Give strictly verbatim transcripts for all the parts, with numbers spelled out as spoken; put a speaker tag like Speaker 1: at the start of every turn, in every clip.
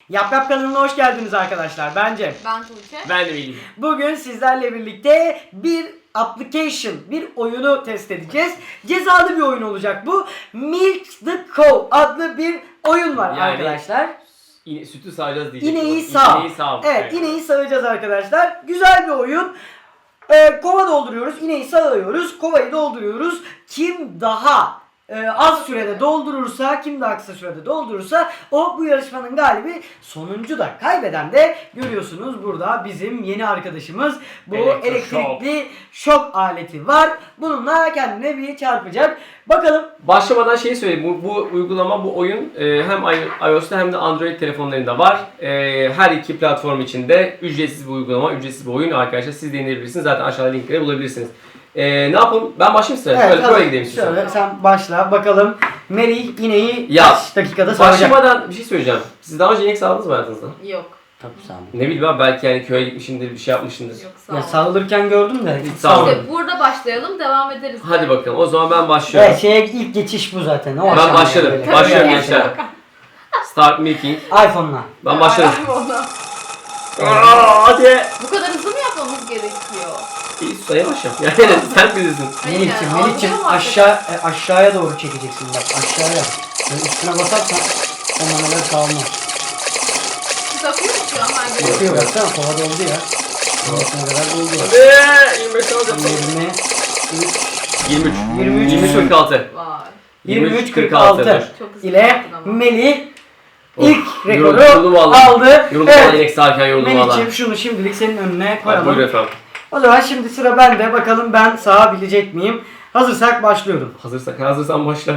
Speaker 1: Yap Yap kanalına hoş geldiniz arkadaşlar. Ben Cem.
Speaker 2: Ben Tuğçe.
Speaker 3: Ben de Melih.
Speaker 1: Bugün sizlerle birlikte bir application, bir oyunu test edeceğiz. Cezalı bir oyun olacak bu. Milk the Cow adlı bir oyun var
Speaker 3: Yani
Speaker 1: arkadaşlar.
Speaker 3: İne, sütü sağacağız diyecektim.
Speaker 1: İneği sağ.
Speaker 3: İneği sağ.
Speaker 1: Evet, ineği sağacağız arkadaşlar. Güzel bir oyun. Ee, kova dolduruyoruz, ineği sağıyoruz, kovayı dolduruyoruz. Kim daha e, az sürede doldurursa, kim daha kısa sürede doldurursa o bu yarışmanın galibi. Sonuncu da, kaybeden de görüyorsunuz burada bizim yeni arkadaşımız. Bu
Speaker 3: Elektroşok.
Speaker 1: elektrikli şok aleti var. Bununla kendine bir çarpacak. Bakalım.
Speaker 3: Başlamadan şeyi söyleyeyim. Bu, bu uygulama, bu oyun e, hem iOS'ta hem de Android telefonlarında var. E, her iki platform için de ücretsiz bir uygulama, ücretsiz bir oyun arkadaşlar. Siz de indirebilirsiniz. Zaten aşağıda linkleri bulabilirsiniz. E, ne yapalım? Ben başlayayım size.
Speaker 1: Evet,
Speaker 3: şöyle
Speaker 1: tabii.
Speaker 3: böyle gideyim size.
Speaker 1: Şöyle sen başla. Bakalım Melih ineği
Speaker 3: Ya,
Speaker 1: kaç dakikada sağacak?
Speaker 3: Başlamadan bir şey söyleyeceğim. Siz daha önce inek sağladınız mı hayatınızda?
Speaker 2: Yok.
Speaker 1: Tabii sağ ol.
Speaker 3: Ne bileyim ben, belki yani köye gitmişsindir, bir şey yapmışsındır.
Speaker 2: Yok sağ
Speaker 1: Ya
Speaker 2: ol.
Speaker 1: sağılırken gördüm de.
Speaker 3: Hiç sağ
Speaker 2: İşte burada başlayalım, devam ederiz.
Speaker 3: Hadi bakalım. O zaman ben başlıyorum.
Speaker 1: Evet, şeye ilk geçiş bu zaten. O
Speaker 2: Ben
Speaker 1: aşamaya
Speaker 3: başladım.
Speaker 1: böyle.
Speaker 3: Başlıyorum
Speaker 1: Evet.
Speaker 3: gençler. Start making.
Speaker 1: iPhone'la.
Speaker 3: Ben başladım.
Speaker 2: Ona.
Speaker 3: Aa, hadi.
Speaker 2: Bu kadar hızlı mı yapmamız gerekiyor?
Speaker 3: İyi, sayı başla. Yani sen bilirsin.
Speaker 2: Hayır
Speaker 1: Melih'cim,
Speaker 2: yani,
Speaker 1: Melih'cim
Speaker 2: algılıyor mu
Speaker 1: aşağı e, aşağıya doğru çekeceksin bak aşağıya. Böyle üstüne basarsan o manalar sağlamaz.
Speaker 2: Siz akıyor mu şu an? Ben
Speaker 1: Yapıyor
Speaker 2: görüyorum.
Speaker 1: baksana kova doldu ya. Sonrasına kadar doldu.
Speaker 3: Hadi. yirmi beş alacağım.
Speaker 1: yirmi,
Speaker 3: yirmi üç.
Speaker 1: yirmi üç,
Speaker 3: yirmi üç kırk altı.
Speaker 2: Vay.
Speaker 1: yirmi üç kırk altı
Speaker 2: Çok hızlı
Speaker 1: ile
Speaker 2: yaptın ama.
Speaker 1: Melih
Speaker 3: Of,
Speaker 1: ilk
Speaker 3: yoruldum
Speaker 1: rekoru
Speaker 3: vallahi.
Speaker 1: aldı.
Speaker 3: Yoruldum evet.
Speaker 1: Evet.
Speaker 3: inek sağarken yoruldum valla.
Speaker 1: Melih'ciğim şunu şimdilik senin önüne
Speaker 3: Hadi buyurun
Speaker 1: koyalım.
Speaker 3: efendim.
Speaker 1: O zaman şimdi sıra bende. Bakalım ben sağabilecek miyim? Hazırsak başlıyorum.
Speaker 3: Hazırsak, hazırsan başla.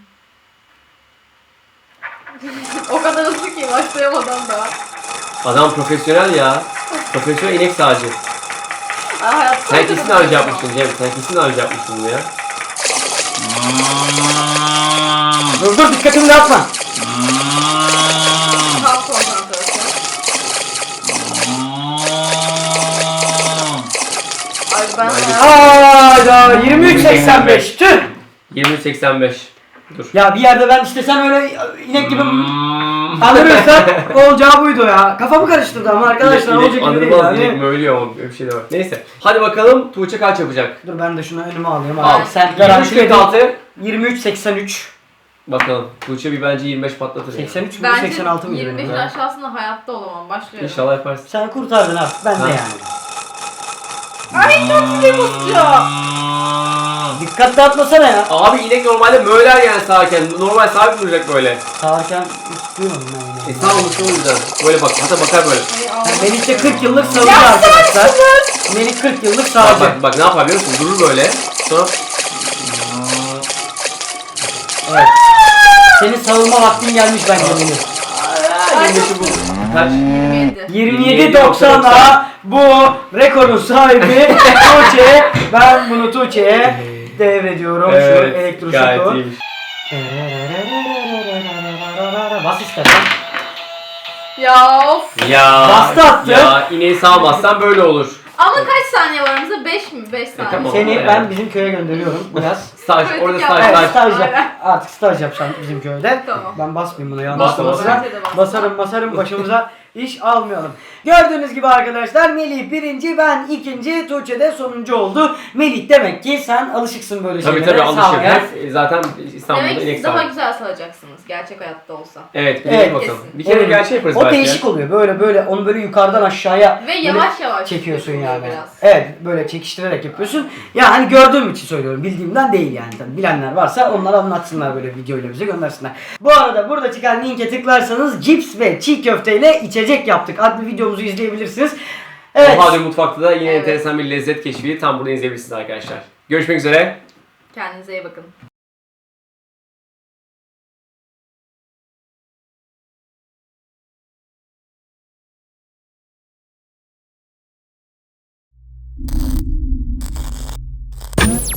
Speaker 2: O kadar hızlı ki başlayamadan daha.
Speaker 3: Adam profesyonel ya. Profesyonel inek sağcı.
Speaker 2: Aa, hayatta
Speaker 3: Sen kesin harcı yapmıştın Cem. Sen kesin harcı yapmıştın bunu ya.
Speaker 1: Dur dur dikkatimi dağıtma.
Speaker 2: Tam konsantrasyon. Ay ben
Speaker 1: Hayda yirmi üç seksen beş tüh.
Speaker 3: yirmi üç seksen beş. Dur.
Speaker 1: Ya bir yerde ben işte sen öyle inek gibi
Speaker 3: Hmm.
Speaker 1: anırırsan olacağı buydu ya. Kafamı karıştırdı ama arkadaşlar
Speaker 3: İnek-
Speaker 1: olacak gibi değil
Speaker 3: anırmaz inek
Speaker 1: yani.
Speaker 3: mi ölüyor ama öyle bir şey de var. Neyse. Hadi bakalım Tuğçe kaç yapacak?
Speaker 1: Dur ben de şunu önüme alayım
Speaker 3: Al.
Speaker 1: abi. Sen
Speaker 3: yirmi üç
Speaker 1: garanti
Speaker 3: kırk
Speaker 1: edin.
Speaker 3: altı.
Speaker 1: yirmi üç seksen üç.
Speaker 3: Bakalım. Tuğçe bir bence yirmi beş patlatır. ya.
Speaker 1: seksen üç mü
Speaker 2: Bence
Speaker 1: seksen altı mı?
Speaker 2: yirmi beşin
Speaker 1: benim?
Speaker 2: aşağısında hayatta olamam. Başlıyorum.
Speaker 3: İnşallah yaparsın.
Speaker 1: Sen kurtardın abi. Ben de
Speaker 3: Ha.
Speaker 1: yani.
Speaker 2: Ay çok iyi basıyor.
Speaker 1: Dikkat dağıtmasana ya.
Speaker 3: Abi inek normalde möler yani sağarken. Normal sabit duracak böyle.
Speaker 1: Sağırken hiç duymadım ben
Speaker 3: E
Speaker 1: yine.
Speaker 3: sağ olmuş o yüzden. Böyle bak, hatta bakar böyle.
Speaker 2: Ay,
Speaker 1: Yani
Speaker 2: ağzım.
Speaker 1: Melih de kırk yıllık sağcı arkadaşlar. Melih kırk yıllık
Speaker 3: Bak,
Speaker 1: sağcı.
Speaker 3: bak, bak ne yapar biliyor musun? Durur böyle. Sonra
Speaker 1: Evet. Senin savunma vaktin gelmiş bence Melih.
Speaker 2: Ay,
Speaker 3: yirmi beşi bul. Kaç?
Speaker 2: yirmi yedi.
Speaker 1: yirmi yedi doksan'a bu rekorun sahibi Tuğçe. Ben bunu Tuğçe'ye devrediyorum şu
Speaker 3: gayet
Speaker 1: elektroşoku.
Speaker 3: iyiymiş.
Speaker 1: Bas istersen.
Speaker 2: Ya of.
Speaker 3: Ya,
Speaker 1: Bastı attı.
Speaker 3: ya ineği sağmazsan böyle olur.
Speaker 2: Ama kaç saniye var aramızda? beş mi? beş saniye.
Speaker 3: tamam.
Speaker 1: Seni
Speaker 3: Yani.
Speaker 1: ben bizim köye gönderiyorum biraz.
Speaker 3: Staj,
Speaker 2: Pratik
Speaker 3: orada
Speaker 2: yap.
Speaker 3: staj,
Speaker 1: Evet
Speaker 3: staj.
Speaker 1: staj yap.
Speaker 2: Aynen.
Speaker 1: Artık staj yapacağım bizim köyde.
Speaker 2: Tamam.
Speaker 1: Ben basmayayım buna yanlış
Speaker 3: Basma,
Speaker 1: olmasın.
Speaker 2: bence de basma.
Speaker 1: Basarım basarım başımıza iş almayalım. Gördüğünüz gibi arkadaşlar Melih birinci, ben ikinci, Tuğçe de sonuncu oldu. Melih demek ki sen alışıksın böyle
Speaker 3: Tabii
Speaker 1: şeylere.
Speaker 3: tabii alışır.
Speaker 1: sağmaya.
Speaker 3: Hep zaten İstanbul'da
Speaker 2: Demek ki
Speaker 3: inek
Speaker 2: siz daha
Speaker 3: sağar.
Speaker 2: güzel salacaksınız gerçek hayatta olsa.
Speaker 3: Evet, bir
Speaker 1: Evet,
Speaker 3: evet, bakalım.
Speaker 2: kesin.
Speaker 3: Bir kere
Speaker 1: Evet.
Speaker 3: gerçek yaparız
Speaker 1: O
Speaker 3: belki.
Speaker 1: değişik oluyor. Böyle böyle onu böyle yukarıdan aşağıya
Speaker 2: Ve
Speaker 1: böyle
Speaker 2: yavaş yavaş
Speaker 1: çekiyorsun
Speaker 2: yapıyor
Speaker 1: yani.
Speaker 2: biraz.
Speaker 1: Evet böyle çekiştirerek yapıyorsun. Ya hani gördüğüm için söylüyorum. Bildiğimden değil yani. Tabii bilenler varsa onlar anlatsınlar böyle videoyla bize göndersinler. Bu arada burada çıkan linke tıklarsanız cips ve çiğ köfteyle içecek yaptık adlı videomuzu izleyebilirsiniz. Evet.
Speaker 3: O halde mutfakta da yine
Speaker 2: Evet.
Speaker 3: enteresan bir lezzet keşfi tam burada izleyebilirsiniz arkadaşlar. Görüşmek üzere.
Speaker 2: Kendinize iyi bakın.